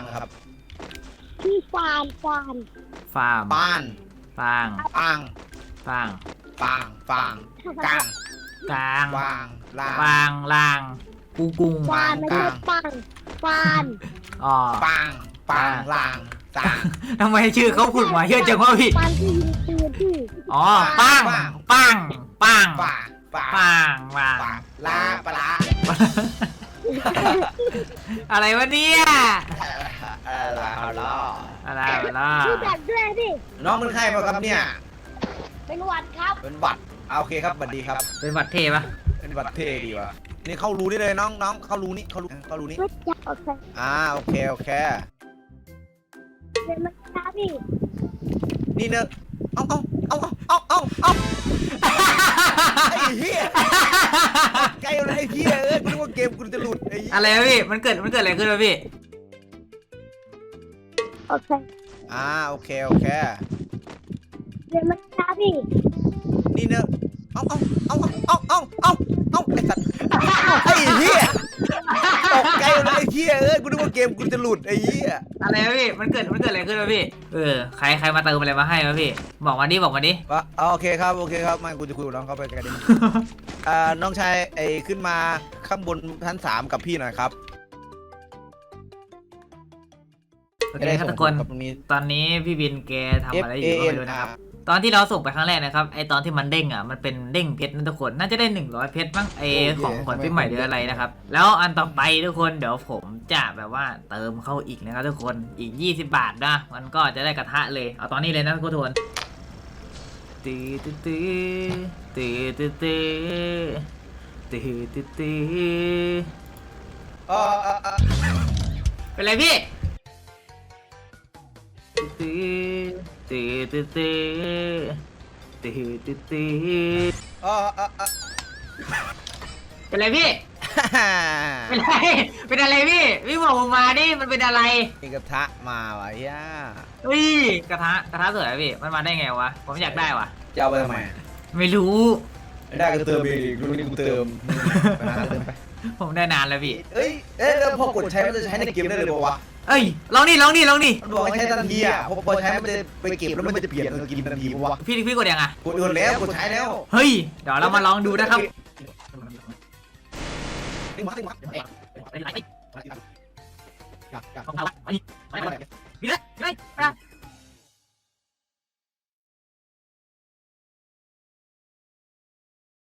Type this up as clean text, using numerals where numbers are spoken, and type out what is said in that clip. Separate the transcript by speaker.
Speaker 1: ครับ
Speaker 2: พี่ฟาร์ม
Speaker 3: ฟาร์ม
Speaker 1: ป้าน
Speaker 3: ฟาง
Speaker 1: ปาง
Speaker 3: ฟาง
Speaker 1: ปางฟางกลาง
Speaker 3: กลาง
Speaker 1: วางลาง
Speaker 3: ฟางลางกูกุง
Speaker 2: ฟานไม่ใช่ปังฟาน
Speaker 3: อ๋อ
Speaker 1: ปางปางลางตาง
Speaker 3: ทำไมชื่อเขาขุดมาเยอะจังวะพี่
Speaker 2: ฟานที่ยิงปืนพี่
Speaker 3: อ๋อปังปังปัง
Speaker 1: ป่าป่า
Speaker 3: ปังปัง
Speaker 1: ป่าลาปลา
Speaker 3: อะไรวะเนี่ย
Speaker 1: เอาล่อ
Speaker 3: อะไรวะล่ะ
Speaker 2: พี่จัดด้วยดิ
Speaker 1: น้องเป็นใครมาครับเนี่ย
Speaker 2: เป็นหวัดครับ
Speaker 1: เป็นหวัดโอเคครับสวัสดีครับ
Speaker 3: เป็นบัตรเทปะ
Speaker 1: เป็นหวัดเท่ดีว่ะนี่เข้ารูนี่เลยน้องเข้ารูนี่เข้ารูนี่
Speaker 2: ไม่จับโอเค
Speaker 1: โอเคโอเค
Speaker 2: เดี๋ยวมันช้าพี่
Speaker 1: นี่เนอะเอาไอ้เหี้ยไกลเลยไอ้เหี้ยกูนึกว่าเกมกูจะหลุดไอ้เหี้ย
Speaker 3: อะไรวะพี่มันเกิดอะไรขึ้นวะพี่
Speaker 2: โอเค
Speaker 1: โอเคโอเค
Speaker 2: เดี๋ยวมันช้าพี่
Speaker 1: นี่เนอะเอาไอ้สัตว์ไอ้เหี้ยตกใจเลยไอ้เหี้ยกูนึกว่าเกมกูจะหลุดไอ้เหี้ย
Speaker 3: อะไรวะพี่มันเกิดอะไรขึ้นวะพี่ใครมาเติมอะไรมาให้วะพี่บอกมาดิ
Speaker 1: ว่าโอเคครับไม่กูจะคุยกับน้องเขาไปกันดิน้องชายไอ้ขึ้นมาข้างบนชั้น3กับพี่หน่อยครับ
Speaker 3: โอเคครับทุกคนตอนนี้พี่บินแกทำอะไรอยู่ก็ไม่รู้นะครับตอนที่เราส่งไปครั้งแรกนะครับไอตอนที่มันเด้งอ่ะมันเป็นเด้งเพชรนะทุกคนน่าจะได้100เพชรมั้งไอของขวัญปีใหม่หรืออะไรนะครับแล้วอันต่อไปทุกคนเดี๋ยวผมจะแบบว่าเติมเข้าอีกนะครับทุกคนอีก20 บาทนะมันก็จะได้กระทะเลยเอาตอนนี้เลยนะทุกคนตีเป็นไรพี่เป็นไรพี่เป็นอะไรพี่บอกผมมาดิมันเป็นอะไร
Speaker 1: มีกระทะมาวะย่า
Speaker 3: อุ้ยกระทะสวยอะพี่มันมาได้ไงวะผมอยากได้วะ
Speaker 1: จะเอาไปทำไม
Speaker 3: ไม่รู้
Speaker 1: ได้ก็เติมอีกรู้นี่กูเติมไป
Speaker 3: ผมได้นานแล้วพี่
Speaker 1: แล้วพอกดใช้มันจะใช้ในเกมได้เลยบอกว่า
Speaker 3: เอ้ยลองดิ
Speaker 1: มันบอกให้ใช้ทันทีอ่ะพอใช้มันจะไปเก็บแล้วมันจะเปลี่ยนสกินทันทีปะวะ
Speaker 3: พี่กดยังอะ
Speaker 1: กดแล้วกดใช้แล้ว
Speaker 3: เฮ้ยเดี๋ยวเรามาลองดูนะครับ